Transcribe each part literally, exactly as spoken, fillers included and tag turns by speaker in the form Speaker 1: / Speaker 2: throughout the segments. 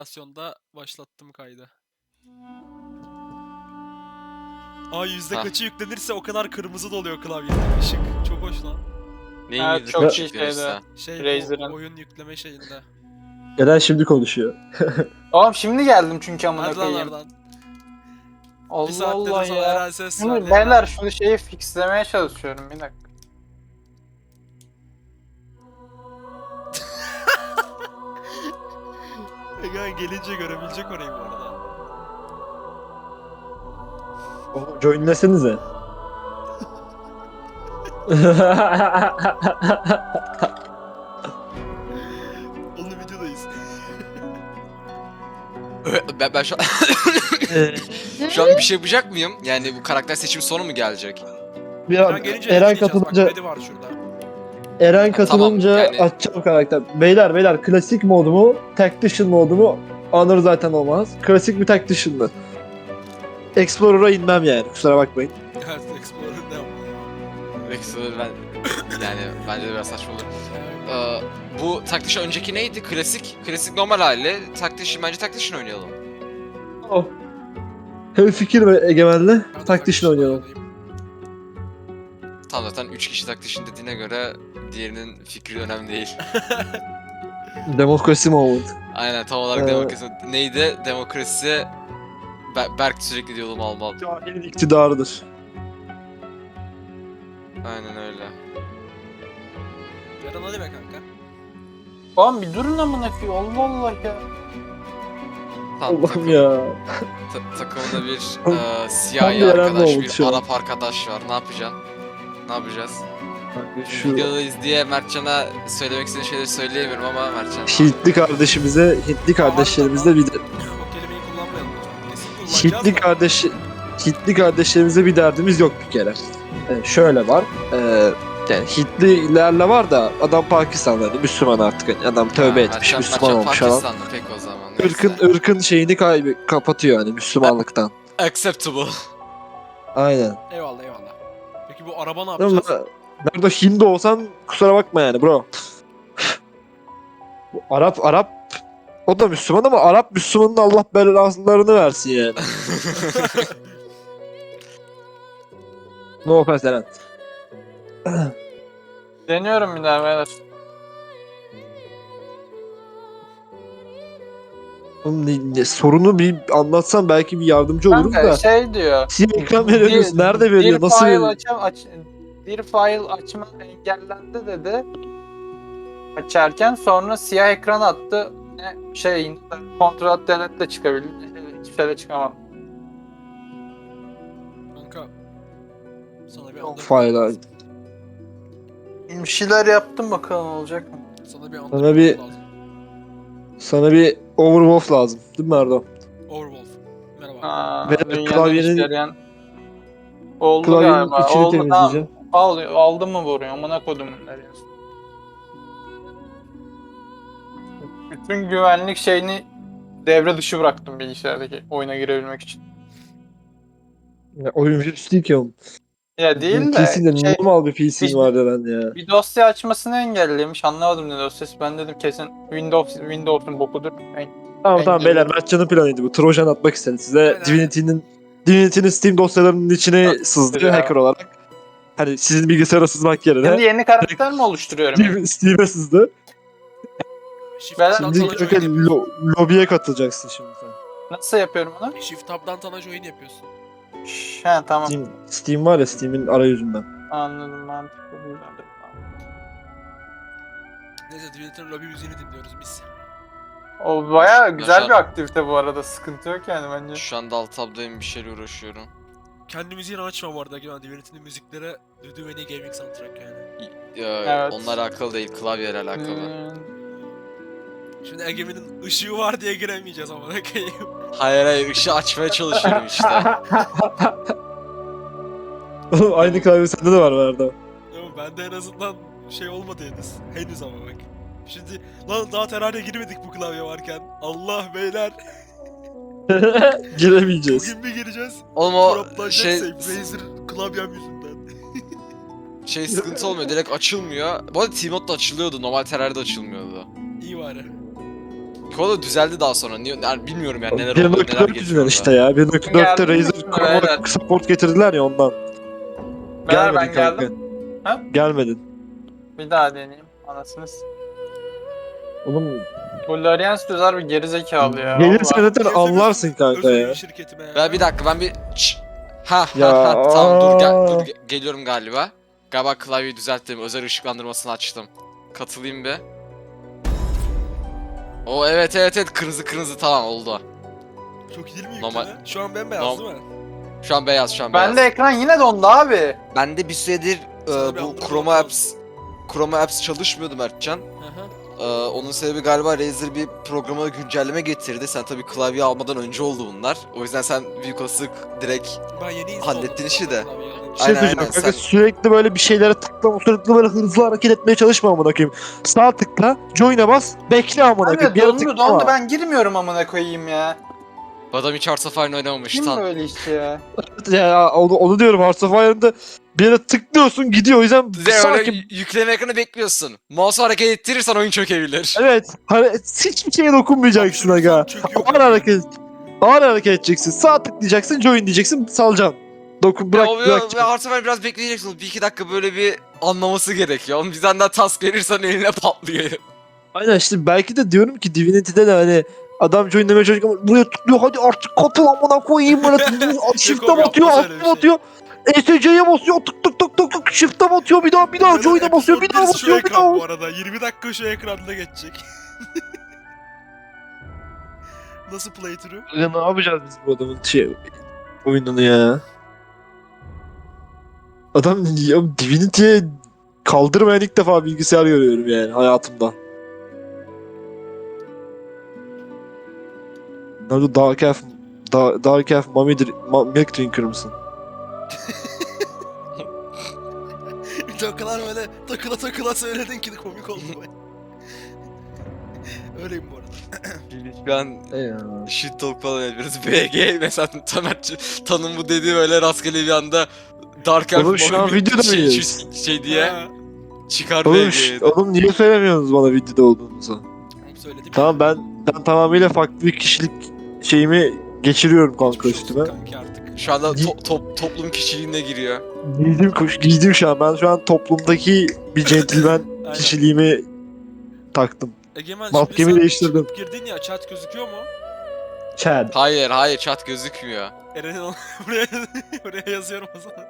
Speaker 1: Nasyonda başlattım kaydı. Aa yüzde
Speaker 2: Hah.
Speaker 1: kaçı yüklenirse o kadar kırmızı doluyor klavyede ışık. Çok hoş lan.
Speaker 2: Neyin
Speaker 3: Evet,
Speaker 2: yüzde
Speaker 3: çok
Speaker 2: kaç
Speaker 3: iyi
Speaker 2: yüklenirse.
Speaker 1: Şey
Speaker 3: Razer'ın.
Speaker 1: bu oyun yükleme şeyinde.
Speaker 4: Eren şimdi konuşuyor.
Speaker 3: Oğlum şimdi geldim çünkü amına
Speaker 1: Hadi lan
Speaker 3: koyayım.
Speaker 1: oradan. Bir
Speaker 3: Allah
Speaker 1: saattir
Speaker 3: Allah
Speaker 1: de sana
Speaker 3: ya.
Speaker 1: Eren ses
Speaker 3: Şimdi
Speaker 1: verdi.
Speaker 3: beyler şunu şeyi fixlemeye çalışıyorum bir dakika.
Speaker 1: Egemen gelince görebilecek orayı bu arada.
Speaker 4: Oğlum joinlesenize.
Speaker 1: Oğlum videodayız.
Speaker 2: ben, ben şu an... şu an bir şey yapacak mıyım? Yani bu karakter seçimi sonu mu gelecek?
Speaker 4: Bir
Speaker 1: Eren
Speaker 4: an,
Speaker 1: gelince
Speaker 4: Eren
Speaker 1: ne diyeceğiz? Bak
Speaker 4: katılınca
Speaker 1: Medi var şurada.
Speaker 4: Eren katılınca
Speaker 2: Tamam, yani-
Speaker 4: açacağım karakter. Beyler beyler klasik mod mu? Tactician modu mu? Honor zaten olmaz. Klasik mi Tactician mı? Explorer'a inmem yani kusura bakmayın.
Speaker 1: Evet Explorer ne yapıyor?
Speaker 2: Exo'da ben... Yani bence de biraz saçma olur. Ee, bu Tactician önceki neydi? Klasik. Klasik normal hali. Tactician bence Tactician oynayalım.
Speaker 4: Oh. Hem fikir ve egemenle
Speaker 1: Ben de
Speaker 4: Tactician oynayalım.
Speaker 1: oynayayım.
Speaker 2: Tam zaten üç kişi Tactician dediğine göre diğerinin fikri önemli değil.
Speaker 4: Demokrasi moment.
Speaker 2: Aynen tam olarak
Speaker 4: Ee,
Speaker 2: demokrasi. Neydi? Demokrasi... Ber- Berk sürekli diyor mal mal.
Speaker 4: Cahilin iktidarıdır.
Speaker 2: Aynen öyle.
Speaker 1: Eren hadi be kanka.
Speaker 3: Oğlum bir durun amına koyayım. Allah Allah ya.
Speaker 2: Tam
Speaker 4: Allah'ım
Speaker 2: takım-
Speaker 4: ya.
Speaker 2: ta- takımda bir
Speaker 4: Tam-
Speaker 2: e,
Speaker 4: tam
Speaker 2: siyahi
Speaker 4: bir Eren
Speaker 2: arkadaş,
Speaker 4: oldu
Speaker 2: bir
Speaker 4: şu an.
Speaker 2: Arap arkadaş var. Ne yapacaksın? Ne yapacağız?
Speaker 4: Şu
Speaker 2: Videodayız diye Mertcan'a söylemek istediğim şeyleri söyleyemiyorum ama Mertcan...
Speaker 4: Hintli kardeşimize, Hintli kardeşlerimize bir de,
Speaker 1: O kelimeyi kullanmayalım lütfen. Kesin kullanacağız
Speaker 4: Hintli
Speaker 1: da.
Speaker 4: kardeş Hintli kardeşlerimize bir derdimiz yok bir kere. Ee, şöyle var. Ee, yani Hintlilerle var da adam Pakistanlı, hani Müslüman artık, hani adam tövbe
Speaker 2: Ha,
Speaker 4: etmiş,
Speaker 2: Mertcan-
Speaker 4: Müslüman
Speaker 2: Mertcan
Speaker 4: olmuş falan.
Speaker 2: Pakistanlı pek o zaman. neyse.
Speaker 4: Irkın ırkın şeyini kaybı kapatıyor hani Müslümanlıktan.
Speaker 2: Acceptable.
Speaker 4: Aynen.
Speaker 1: Eyvallah eyvallah. Peki bu araba ne
Speaker 4: Ama
Speaker 1: yapacağız?
Speaker 4: nerede Hindu olsan kusura bakma yani bro. Bu Arap Arap o da Müslüman ama Arap Müslümanın Allah belalarını versin yani. No offense Eren.
Speaker 3: Deniyorum bir daha beyler.
Speaker 4: Oğlum ne- ne- sorunu bir anlatsan belki bir yardımcı oluruz
Speaker 3: Kanka
Speaker 4: da.
Speaker 3: şey diyor.
Speaker 4: Siyah ekran veriyoruz. Nerede veriyor?
Speaker 3: Bir
Speaker 4: Nasıl
Speaker 3: file
Speaker 4: veriyor?
Speaker 3: açam aç bir file açma engellendi dedi. Açarken sonra siyah ekran attı. Ne şey kontrol delete çıkabildi. Hiçbir şeyle çıkamadım.
Speaker 1: Kanka. Sana bir
Speaker 4: Yok,
Speaker 1: anlatım
Speaker 4: fayda.
Speaker 1: lazım.
Speaker 3: Bir şeyler yaptım bakalım olacak mı?
Speaker 1: Sana bir
Speaker 4: Sana
Speaker 1: anlatım
Speaker 4: bir-
Speaker 1: lazım.
Speaker 4: Sana bir Overwolf lazım. Değil mi Erdo?
Speaker 1: Overwolf. Merhaba.
Speaker 3: Aa,
Speaker 4: Ve
Speaker 3: dünyanın
Speaker 4: klavyenin-
Speaker 3: işleyen... Oldu
Speaker 4: Klavyenin
Speaker 3: galiba.
Speaker 4: içini
Speaker 3: Oldu tamam.
Speaker 4: temizleyeceğim.
Speaker 3: Al, aldım mı buraya? Amına kodumun nereye? Bütün güvenlik şeyini devre dışı bıraktım bilgisayardaki oyuna girebilmek için.
Speaker 4: Ya, oyun virüs değil ki oğlum.
Speaker 3: Ya değil
Speaker 4: P C'de
Speaker 3: de şey,
Speaker 4: normal bir P C'm
Speaker 3: biz-
Speaker 4: var Eren ya.
Speaker 3: bir dosya açmasını engellemiş. Anlamadım ne dosyası. Ben dedim kesin Windows Windows'un bokudur. En-
Speaker 4: Tamam tamam
Speaker 3: engelli-
Speaker 4: beyler Mertcan'ın planıydı bu. Trojan atmak istedi size.
Speaker 1: Aynen.
Speaker 4: Divinity'nin Divinity'nin Steam dosyalarının içine
Speaker 3: Ya,
Speaker 4: sızdı
Speaker 3: ya.
Speaker 4: hacker olarak. Hani sizin bilgisayara sızmak
Speaker 3: Şimdi
Speaker 4: yerine
Speaker 3: yeni karakter mi oluşturuyorum? yani?
Speaker 4: Steam, Steam'e sızdı.
Speaker 1: Shift
Speaker 3: Ben-
Speaker 1: tab'dan
Speaker 4: Şimdi
Speaker 1: sana join
Speaker 4: kanka
Speaker 1: yapıyorsun.
Speaker 4: lo- lobiye katılacaksın şimdi sen.
Speaker 3: Nasıl yapıyorum onu?
Speaker 1: Shift tab'dan sana join yapıyorsun.
Speaker 3: Şş, He tamam.
Speaker 4: Steam, Steam var ya Steam'in arayüzünden.
Speaker 3: Anladım mantıklı.
Speaker 1: Neyse Twitter'ın lobby müziğini dinliyoruz biz.
Speaker 3: O bayağı güzel
Speaker 2: Yaşar-
Speaker 3: bir aktivite bu arada. Sıkıntı yok yani bence.
Speaker 2: Şu anda alt tabdayım bir şeyle uğraşıyorum.
Speaker 1: Kendi müziğini açma bu arada. Yani Divinity'nin müziklere Dudu ve Gaming soundtrack yani.
Speaker 2: Ee,
Speaker 3: Evet.
Speaker 2: Onlar alakalı değil, klavyeyle alakalı.
Speaker 3: Hmm,
Speaker 1: Şimdi Egemen'in ışığı var diye giremeyeceğiz ama ne koyayım.
Speaker 2: Hayır hayır, ışığı açmaya çalışıyorum işte.
Speaker 4: Oğlum aynı klavye sende de var Verda.
Speaker 1: Ama bende en azından şey olmadı henüz. Henüz ama bak. Şimdi lan daha terane girmedik bu klavye varken. Allah beyler.
Speaker 4: Giremeyeceğiz.
Speaker 1: Bugün bir gireceğiz.
Speaker 2: Oğlum o
Speaker 1: Droplanacak
Speaker 2: şey,
Speaker 1: save. Razer klavyem yüzünden.
Speaker 2: şey sıkıntı olmuyor, direkt açılmıyor. Bu arada T-Mode'da açılıyordu, normal Terrari'de açılmıyordu.
Speaker 1: İyi bari.
Speaker 2: Kola düzeldi daha sonra. Niye, yani bilmiyorum yani neler
Speaker 4: bir
Speaker 2: oldu,
Speaker 4: nokta
Speaker 2: neler
Speaker 4: dört
Speaker 2: geçiyor
Speaker 4: yüzünden
Speaker 2: orada.
Speaker 4: işte ya. bir nokta dörtte
Speaker 3: Geldin mi
Speaker 4: Razer
Speaker 3: şimdi
Speaker 4: Chroma
Speaker 3: beyler?
Speaker 4: support getirdiler ya ondan.
Speaker 3: Beyler
Speaker 4: Gelmedin
Speaker 3: ben
Speaker 4: kanka.
Speaker 3: geldim. Ha?
Speaker 4: Gelmedin.
Speaker 3: Bir daha deneyeyim. Anasınız.
Speaker 4: Oğlum
Speaker 3: Bu Larians düzer bir gerizekalı ya.
Speaker 4: gelirsen
Speaker 3: Valla.
Speaker 4: zaten anlarsın kanka
Speaker 1: Özel
Speaker 4: ya.
Speaker 1: bir şirketime ya.
Speaker 2: Ben bir dakika ben bir Şşş. Ha
Speaker 4: Ya,
Speaker 2: ha ha tamam dur gel dur
Speaker 4: aa.
Speaker 2: ge- geliyorum galiba. Galiba klavyeyi düzelttim. Özel ışıklandırmasını açtım. Katılayım bir. O evet evet evet kırmızı kırmızı tamam oldu.
Speaker 1: Çok iyi değil mi
Speaker 2: Normal-
Speaker 1: yükleme? Şu an bembeyaz
Speaker 2: Norm-
Speaker 1: değil mi?
Speaker 2: Şu an beyaz şu an beyaz.
Speaker 3: Bende ekran yine dondu abi.
Speaker 2: Ben de bir süredir e,
Speaker 1: Sana bir
Speaker 2: bu
Speaker 1: andırma
Speaker 2: Chroma
Speaker 1: lazım.
Speaker 2: Apps Chroma Apps çalışmıyordu Mertcan.
Speaker 1: Hı hı.
Speaker 2: Ee, onun sebebi galiba Razer bir programa güncelleme getirdi. Sen tabii klavye almadan önce oldu bunlar. O yüzden sen büyük olasılık direkt
Speaker 1: Ben yeni install
Speaker 2: Hallettin
Speaker 1: oldum
Speaker 2: işi
Speaker 1: zaten
Speaker 2: de.
Speaker 1: klavyeyi alınca.
Speaker 4: Bir şey
Speaker 2: Aynen,
Speaker 4: söyleyeceğim
Speaker 2: aynen,
Speaker 4: kanka
Speaker 2: sen-
Speaker 4: sürekli böyle bir şeylere tıklama sürekli böyle hızlı hareket etmeye çalışma amına koyayım. Sağ tıkla, join'e bas, bekle amına koyayım.
Speaker 3: Abi
Speaker 4: Bir yere
Speaker 3: dondu
Speaker 4: tıklama.
Speaker 3: dondu ben girmiyorum amına koyayım ya.
Speaker 2: adam hiç Hearts of Iron oynamamış.
Speaker 3: Kim
Speaker 2: Tan
Speaker 3: böyle işte ya?
Speaker 4: Ya onu, onu diyorum Hearts of Iron'da bir yere tıklıyorsun gidiyor o yüzden
Speaker 2: Size öyle
Speaker 4: sanki
Speaker 2: y- yükleme ekranı bekliyorsun. Mouse'u hareket ettirirsen oyun çökebilir.
Speaker 4: evet hani hiçbir şeye dokunmayacaksın aga.
Speaker 1: Hapşırırsan çöküyor
Speaker 4: Ağır
Speaker 1: kanka.
Speaker 4: hareket ağır hareket edeceksin. Sağ tıklayacaksın, join diyeceksin, salacaksın. Dokun bırak
Speaker 2: ya, o-
Speaker 4: bırak.
Speaker 2: ya, Hearts of Iron biraz bekleyeceksin. Bir iki dakika böyle bir anlaması gerekiyor. Onun bizden daha task verirsen eline patlıyor.
Speaker 4: Aynen işte belki de diyorum ki Divinity'de de hani adam join demeye çalışıyor ama buraya tıklıyor hadi artık katıl amına koyayım böyle tıklıyor. Shift'e
Speaker 1: Yok,
Speaker 4: batıyor,
Speaker 1: yapmaz öyle
Speaker 4: altına
Speaker 1: bir şey.
Speaker 4: batıyor. E S C'ye basıyor tık tık tık tık tık shift'e batıyor bir daha bir daha
Speaker 1: Böyle
Speaker 4: join'e basıyor bir
Speaker 1: episode
Speaker 4: daha
Speaker 1: birisi şu
Speaker 4: basıyor bir
Speaker 1: ekran
Speaker 4: daha.
Speaker 1: bu arada. yirmi dakika şu ekranda geçecek. Nasıl playthrough?
Speaker 4: Ya ne yapacağız biz bu adamın şey oyununu ya? Adam ya Divinity'ye kaldırmayan ilk defa bilgisayar görüyorum yani hayatımda. Nerede Dark Elf, Da- Dark Elf Mummy Dr- Ma- Milk Drinker mısın?
Speaker 1: Bir de o kadar böyle takıla takıla söyledin ki de komik oldu bu. Öyleyim bu arada.
Speaker 2: Ben
Speaker 4: Eyvallah.
Speaker 2: shit talk falan ediyoruz. B G mesela Tamer Tan'ın bu dediği böyle rastgele bir anda Dark Elf
Speaker 4: Oğlum şu an
Speaker 2: Mami
Speaker 4: videoda
Speaker 2: şey,
Speaker 4: mıyız?
Speaker 2: şey, şey diye
Speaker 1: Ha,
Speaker 2: çıkar
Speaker 4: Oğlum,
Speaker 2: B G'yi.
Speaker 4: ş- oğlum niye söylemiyorsunuz bana videoda olduğunuzu?
Speaker 1: onu söyledim.
Speaker 4: Tamam ben ben tamamıyla farklı bir kişilik şeyimi geçiriyorum kanka
Speaker 1: Geçmiş olsun
Speaker 4: üstüme.
Speaker 1: kanki artık.
Speaker 2: Şu anda to- top- toplum kişiliğine giriyor.
Speaker 4: Giydim, kuş, giydim şu an. Ben şu an toplumdaki bir centilmen
Speaker 1: Aynen.
Speaker 4: kişiliğimi taktım.
Speaker 1: Egemen
Speaker 4: Maskemi
Speaker 1: şimdi sen
Speaker 4: değiştirdim.
Speaker 1: çıkıp girdin ya chat gözüküyor mu?
Speaker 4: Chad.
Speaker 2: Hayır hayır chat gözükmüyor.
Speaker 1: Eren'in onu- buraya, buraya yazıyorum o zaman.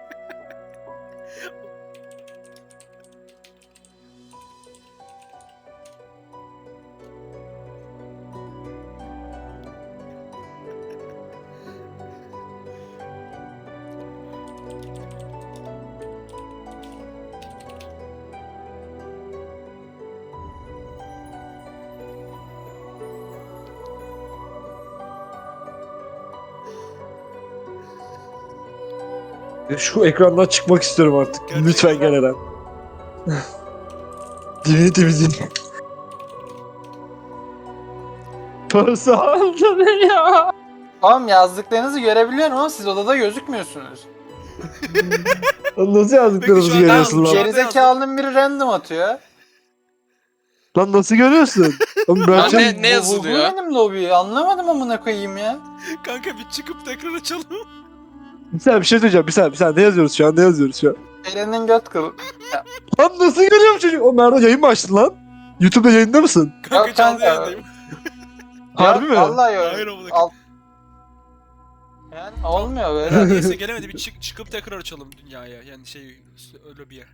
Speaker 4: Şu ekrandan çıkmak istiyorum artık.
Speaker 1: Gerçekten.
Speaker 4: Lütfen gel Eren. Divinity müziği. Parası aldı beni ya.
Speaker 3: Oğlum yazdıklarınızı görebiliyorum ama siz odada gözükmüyorsunuz.
Speaker 4: Lan nasıl yazdıklarımızı
Speaker 1: Peki şu an
Speaker 4: görüyorsun
Speaker 1: ne
Speaker 4: lan?
Speaker 1: yazmış?
Speaker 3: Gerizekalının biri random atıyor.
Speaker 4: Lan nasıl görüyorsun? Oğlum
Speaker 2: Lan
Speaker 4: Mertcan,
Speaker 2: ne, ne
Speaker 3: Bu- Bu, bu
Speaker 2: yazılıyor?
Speaker 3: benim lobi. Anlamadım amına koyayım ya.
Speaker 1: Kanka bir çıkıp tekrar açalım.
Speaker 4: bir saniye bir şey söyleyeceğim. Bir saniye bir saniye ne yazıyoruz şu an? Ne yazıyoruz şu an?
Speaker 3: Eren'in göt kıl.
Speaker 4: Lan nasıl görüyor bu çocuk? O Merdo yayın mı açtın lan? YouTube'da yayında mısın?
Speaker 1: Kanka
Speaker 3: Yok
Speaker 1: canlı
Speaker 3: kanka.
Speaker 1: yayındayım.
Speaker 4: Harbi
Speaker 3: Ya,
Speaker 4: mi?
Speaker 3: Vallahi
Speaker 1: Hayır
Speaker 3: öyle.
Speaker 1: amına
Speaker 3: Al. Yani olmuyor böyle.
Speaker 1: Neyse gelemedi bir çık çıkıp tekrar açalım dünyaya. Yani şey öyle bir yer.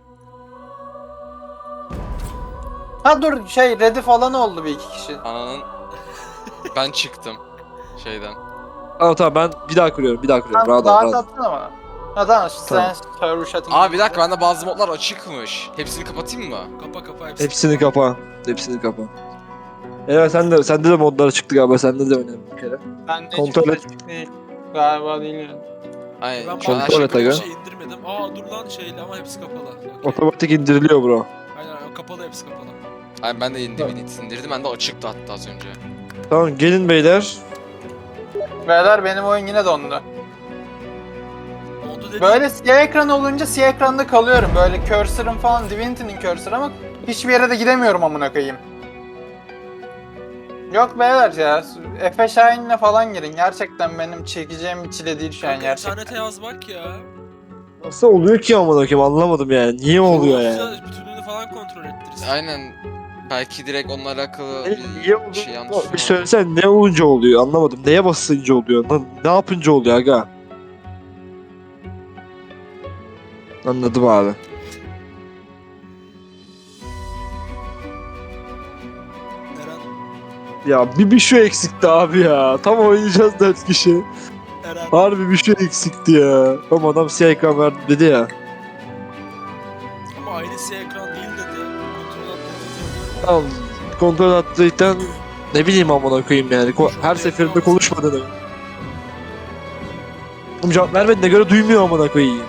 Speaker 3: Ha dur şey ready falan oldu bir iki kişi.
Speaker 2: Ananın... Ben çıktım şeyden.
Speaker 4: Aa tamam ben bir daha kuruyorum. Bir daha kuruyorum.
Speaker 3: Tamam,
Speaker 4: Rahat ol,
Speaker 3: daha
Speaker 4: rahat ol.
Speaker 3: tatlın ama. Ha tamam
Speaker 4: Tamam.
Speaker 3: sen server shutting.
Speaker 2: Aa bir dakika bende bazı modlar açıkmış. Hepsini kapatayım mı?
Speaker 1: Kapa kapa hepsini.
Speaker 4: Hepsini kapa. Hepsini kapa. Evet sen de sende de modları çıktı galiba. Sende de oynadım bir kere.
Speaker 3: Ben de
Speaker 4: Kontrol
Speaker 3: hiçbir
Speaker 4: et.
Speaker 3: şey değil. Galiba değil yani.
Speaker 2: Aynen.
Speaker 1: Ben
Speaker 2: şu an her
Speaker 4: kontrol
Speaker 2: şey
Speaker 4: et aga.
Speaker 1: bir şey indirmedim. Aa dur lan şeyle ama hepsi kapalı. Okey.
Speaker 4: Otomatik indiriliyor bro.
Speaker 1: Aynen aynen, kapalı hepsi kapalı.
Speaker 2: Aynen ben de yeni Divinity indirdim. Ben de açıktı hatta az önce.
Speaker 4: Tamam gelin beyler.
Speaker 3: Beyler benim oyun yine dondu.
Speaker 1: Oldu dedi.
Speaker 3: Böyle siyah ekran olunca siyah ekranda kalıyorum. Böyle cursor'ım falan Divinity'nin cursor'ı ama hiçbir yere de gidemiyorum amına koyayım. Yok beyler ya. Efe Şahin'le falan girin. Gerçekten benim çekeceğim bir çile değil şu an
Speaker 1: Kanka
Speaker 3: gerçekten.
Speaker 1: internete yaz bak ya.
Speaker 4: Nasıl oluyor ki amına koyayım anlamadım yani. Niye oluyor yani?
Speaker 1: Güzel, bütünlüğünü falan kontrol ettiririz.
Speaker 2: Aynen. Belki direkt onunla alakalı
Speaker 4: E,
Speaker 2: bir
Speaker 4: niye oluyor?
Speaker 2: şey yanlış
Speaker 4: Bir
Speaker 2: vardır.
Speaker 4: söylesen ne olunca oluyor anlamadım. Neye basınca oluyor? Ne, ne yapınca oluyor aga? Anladım abi.
Speaker 1: Eren,
Speaker 4: Ya bir bir şu eksikti abi ya. Tam oynayacağız dört kişi.
Speaker 1: Eren.
Speaker 4: Harbi bir şey eksikti ya. Ama adam siyah ekran verdi dedi ya.
Speaker 1: Ama aynı siyah ekran değil dedi. Kontrol atlatabiliyorum.
Speaker 4: Tamam. Kontrol attıktan ne bileyim amına koyayım yani. Ko- her seferinde konuşmadığını. Oğlum cevap vermediğine göre duymuyor amına koyayım.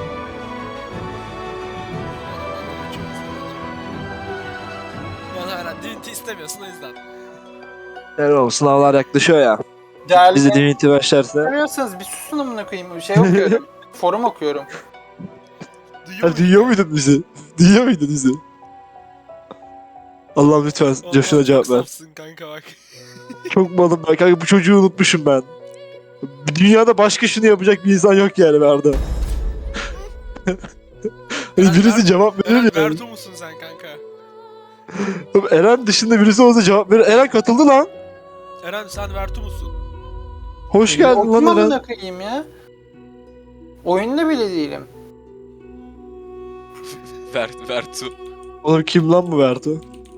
Speaker 1: Bana Eren Divinity istemiyorsun o yüzden.
Speaker 4: Yani oğlum sınavlar yaklaşıyor ya.
Speaker 3: Değerli
Speaker 4: Bizi Divinity başlarsa.
Speaker 3: görüyorsanız bir susun amına koyayım. Şey okuyorum. Forum okuyorum.
Speaker 1: Duyuyor
Speaker 4: Ha, duyuyor muydun bizi? Duyuyor muydun bizi? Allah'ım lütfen
Speaker 1: Vallahi
Speaker 4: Coşkun'a cevap
Speaker 1: çok
Speaker 4: ver.
Speaker 1: safsın kanka bak.
Speaker 4: Çok malım ben kanka bu çocuğu unutmuşum ben. Dünyada başka şunu yapacak bir insan yok yani Arda. Hani
Speaker 1: Eren
Speaker 4: birisi
Speaker 1: Ver-
Speaker 4: cevap verir
Speaker 1: Eren
Speaker 4: yani.
Speaker 1: Vertu musun sen kanka?
Speaker 4: Oğlum Eren dışında birisi olsa cevap verir. Eren katıldı lan.
Speaker 1: Eren sen Vertu musun?
Speaker 4: Hoş geldin
Speaker 3: Okum
Speaker 4: lan Eren.
Speaker 3: amına koyayım ya. Oyunda bile değilim.
Speaker 2: Ver, Vertu.
Speaker 4: Oğlum kim lan bu Vertu?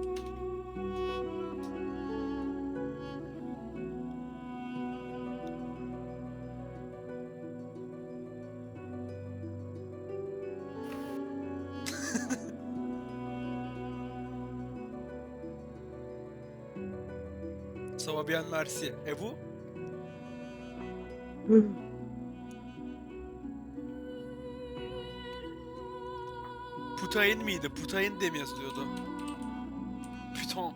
Speaker 1: Savabian Mersi. E bu? Putayin miydi? Putayin diye mi yazılıyordu? Python.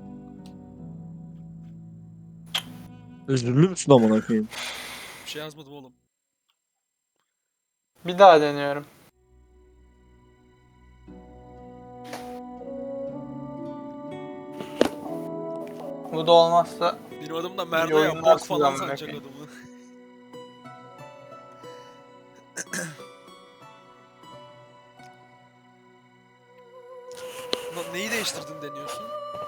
Speaker 4: Üzülür müsün amına koyayım?
Speaker 1: Bir şey yazmadım oğlum.
Speaker 3: Bir daha deniyorum. Bu da olmazsa
Speaker 1: Benim adım da
Speaker 3: Bir
Speaker 1: Merda ya.
Speaker 3: oyunlar
Speaker 1: Bok falan
Speaker 3: silahım
Speaker 1: sanacak
Speaker 3: belki.
Speaker 1: adamı. Lan neyi değiştirdin deniyorsun?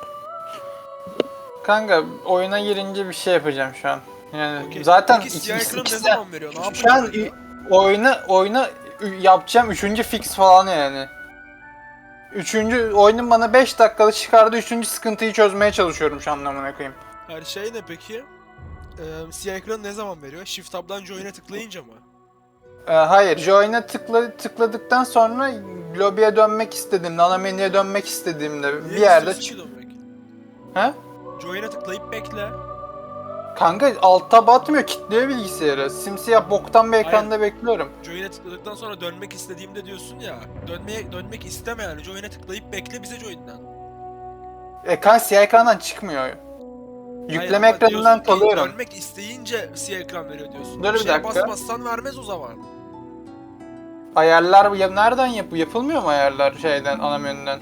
Speaker 3: kanka oyuna girince bir şey yapacağım şu an. Yani
Speaker 1: Okey.
Speaker 3: zaten
Speaker 1: Peki
Speaker 3: iki-
Speaker 1: siyah ekranı ne
Speaker 3: ikisi-
Speaker 1: zaman veriyor? Ne
Speaker 3: Şu an
Speaker 1: yapacağız?
Speaker 3: oyuna oyuna yapacağım üçüncü fix falan yani. Üçüncü oyunun bana beş dakikada çıkardığı üçüncü sıkıntıyı çözmeye çalışıyorum şu anlamına koyayım.
Speaker 1: Her şey ne peki? Ee, siyah ekranı ne zaman veriyor? Shift tab'dan join'e tıklayınca mı?
Speaker 3: Ee, hayır, join'e tıkla, tıkladıktan sonra lobiye dönmek istediğimde, ana menüye dönmek istediğimde
Speaker 1: Niye
Speaker 3: bir yerde
Speaker 1: istiyorsun
Speaker 3: çık...
Speaker 1: ki dönmek?
Speaker 3: He?
Speaker 1: Join'e tıklayıp bekle.
Speaker 3: Kanka alt tab atmıyor, kilitliyor bilgisayarı. Simsiyah boktan bir ekranda bekliyorum.
Speaker 1: Join'e tıkladıktan sonra dönmek istediğimde diyorsun ya. Dönmeye dönmek isteme yani. Join'e tıklayıp bekle bize join'den.
Speaker 3: E kanka siyah ekrandan çıkmıyor. Yükleme
Speaker 1: Hayır, ama
Speaker 3: ekranından
Speaker 1: diyorsun ki
Speaker 3: kalıyorum.
Speaker 1: Dönmek isteyince siyah ekran veriyor diyorsun.
Speaker 3: Dur bir
Speaker 1: şeye
Speaker 3: dakika.
Speaker 1: basmazsan vermez o zaman.
Speaker 3: Ayarlar ya nereden yap yapılmıyor mu ayarlar şeyden ana menüden?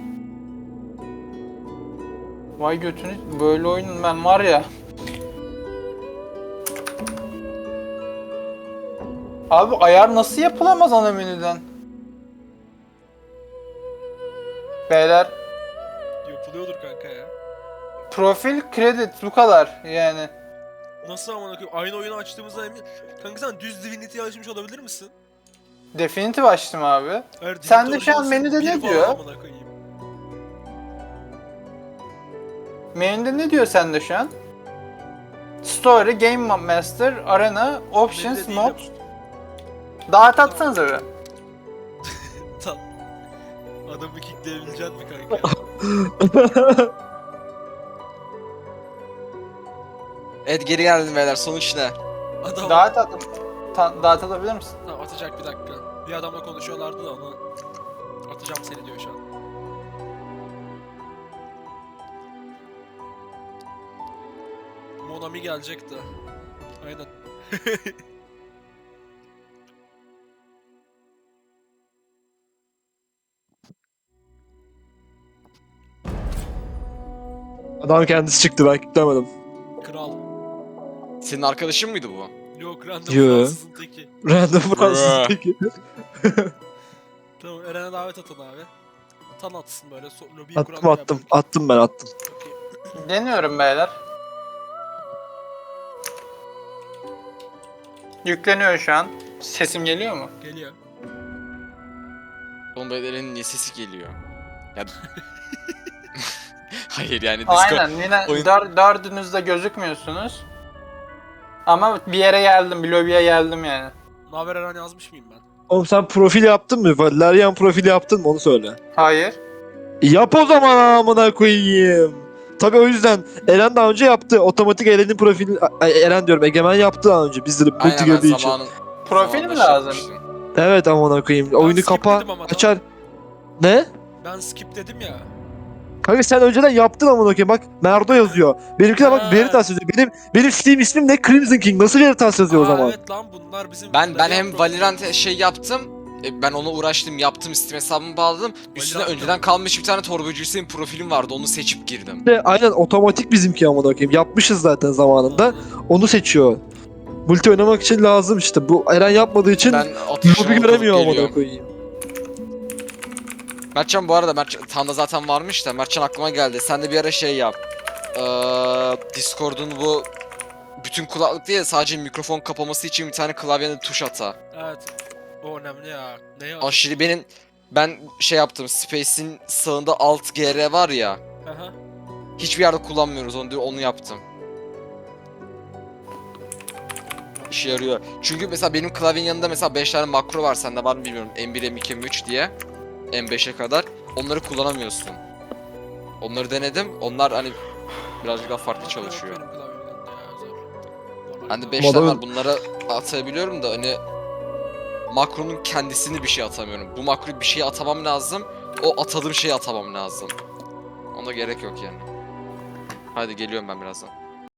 Speaker 3: Vay götünü böyle oyunun ben var ya. Abi ayar nasıl yapılamaz ana menüden? Beyler
Speaker 1: Yapılıyordur kanka ya.
Speaker 3: profil kredi bu kadar yani.
Speaker 1: Nasıl amına koyayım? Aynı oyunu açtığımızda emin... Kanka sen düz Divinity'yi açmış olabilir misin?
Speaker 3: Definitive açtım abi.
Speaker 1: Hayır,
Speaker 3: Sen
Speaker 1: Divinity
Speaker 3: de şu an
Speaker 1: Originals'ın
Speaker 3: menüde
Speaker 1: bir
Speaker 3: ne
Speaker 1: falan
Speaker 3: diyor?
Speaker 1: amına koyayım.
Speaker 3: Menüde ne diyor sende şu an? Story, Game Master, Arena, Options,
Speaker 1: Menüde değil
Speaker 3: Mod.
Speaker 1: ama.
Speaker 3: Dağıt atsanıza bir.
Speaker 1: Tam. Adamı kickleyebilecek mi kanka?
Speaker 2: Evet geri geldim beyler. Sonuç ne?
Speaker 1: Adam
Speaker 3: Dağıt at. Ta- dağıt atabilir misin?
Speaker 1: Tamam, atacak bir dakika. Bir adamla konuşuyorlardı da onu atacağım seni diyor şu an. Monami gelecek de. Aynen.
Speaker 4: Adam kendisi çıktı, ben kilitlemedim.
Speaker 1: Kral.
Speaker 2: Senin arkadaşın mıydı bu?
Speaker 1: Yok random
Speaker 4: Yo.
Speaker 1: Fransızın teki.
Speaker 4: Random Fransız peki.
Speaker 1: Tamam Eren'e davet atın abi. Tan atsın böyle. So lobiyi
Speaker 4: Attım
Speaker 1: kuran
Speaker 4: attım. Attım ben attım.
Speaker 3: Deniyorum beyler. Yükleniyor şu an. Sesim geliyor mu?
Speaker 1: Geliyor.
Speaker 2: Oğlum Eren'in niye sesi geliyor? Ya... Hayır yani Discord...
Speaker 3: Aynen yine
Speaker 2: oyun-
Speaker 3: dör, dördünüz de gözükmüyorsunuz. Ama bir yere geldim, bir lobiye geldim yani.
Speaker 1: Naber Eren yazmış mıyım ben?
Speaker 4: Oğlum sen profil yaptın mı? Valerian profili yaptın mı? Onu söyle.
Speaker 3: Hayır.
Speaker 4: Yap o zaman amına koyayım. Tabii o yüzden Eren daha önce yaptı. Otomatik Eren'in profili... Ay, Eren diyorum, Egemen yaptı daha önce. Bizde de multi
Speaker 2: Aynen ben
Speaker 4: girdiği için.
Speaker 2: zamanın...
Speaker 3: Profil mi
Speaker 2: zamanında şey
Speaker 3: lazım?
Speaker 2: yapmıştım.
Speaker 4: Evet amına koyayım. Oyunu
Speaker 1: skip
Speaker 4: kapa,
Speaker 1: dedim ama
Speaker 4: açar. Ne?
Speaker 1: Ben skip dedim ya.
Speaker 4: Kanka sen önceden yaptın amına koyayım. Bak Merdo yazıyor. Benimkine
Speaker 1: Ha.
Speaker 4: bak Veritas yazıyor. Benim benim Steam ismim ne? Crimson King. Nasıl Veritas yazıyor o
Speaker 1: Aa,
Speaker 4: zaman?
Speaker 1: Evet lan bunlar bizim...
Speaker 2: Ben ben
Speaker 1: Valerian
Speaker 2: hem
Speaker 1: profili.
Speaker 2: Valorant şey yaptım. e, Ben ona uğraştım, yaptım, Steam hesabımı bağladım. Üstüne
Speaker 1: Valorant
Speaker 2: önceden
Speaker 1: mı?
Speaker 2: kalmış bir tane torbacı Hüseyin profilim vardı. Onu seçip girdim.
Speaker 4: İşte aynen otomatik bizimki amına koyayım. Yapmışız zaten zamanında.
Speaker 1: Aynen.
Speaker 4: Onu seçiyor. Multi oynamak için lazım işte. Bu Eren yapmadığı için
Speaker 2: Ben atışımı
Speaker 4: lobi göremiyor amına
Speaker 2: geliyorum.
Speaker 4: koyayım.
Speaker 2: Mertcan bu arada Mertcan Tan'da zaten varmış da Mertcan aklıma geldi. Sen de bir ara şey yap. Ee, Discord'un bu bütün kulaklık değil sadece mikrofon kapaması için bir tane klavyene tuş ata.
Speaker 1: Evet. O önemli ya. Neye
Speaker 2: Aşırı benim ben şey yaptım. Space'in sağında Alt G R var ya.
Speaker 1: Aha.
Speaker 2: Hiçbir yerde kullanmıyoruz onu onu yaptım. İşe yarıyor. Çünkü mesela benim klavyenin yanında mesela beş tane makro var, sende var mı bilmiyorum. M bir, M iki, M üç diye. M beşe kadar. Onları kullanamıyorsun. Onları denedim. Onlar hani birazcık daha farklı
Speaker 1: Makro yok
Speaker 2: çalışıyor.
Speaker 1: benim klavyemden de ya, zor. Normal
Speaker 2: Bende
Speaker 1: klavye.
Speaker 2: beş tane
Speaker 4: Modern-
Speaker 2: var. Bunları atabiliyorum da hani makronun kendisini bir şey atamıyorum. Bu makroyu bir şeye atamam lazım. O atadığım şeyi atamam lazım. Ona gerek yok yani. Hadi geliyorum ben birazdan.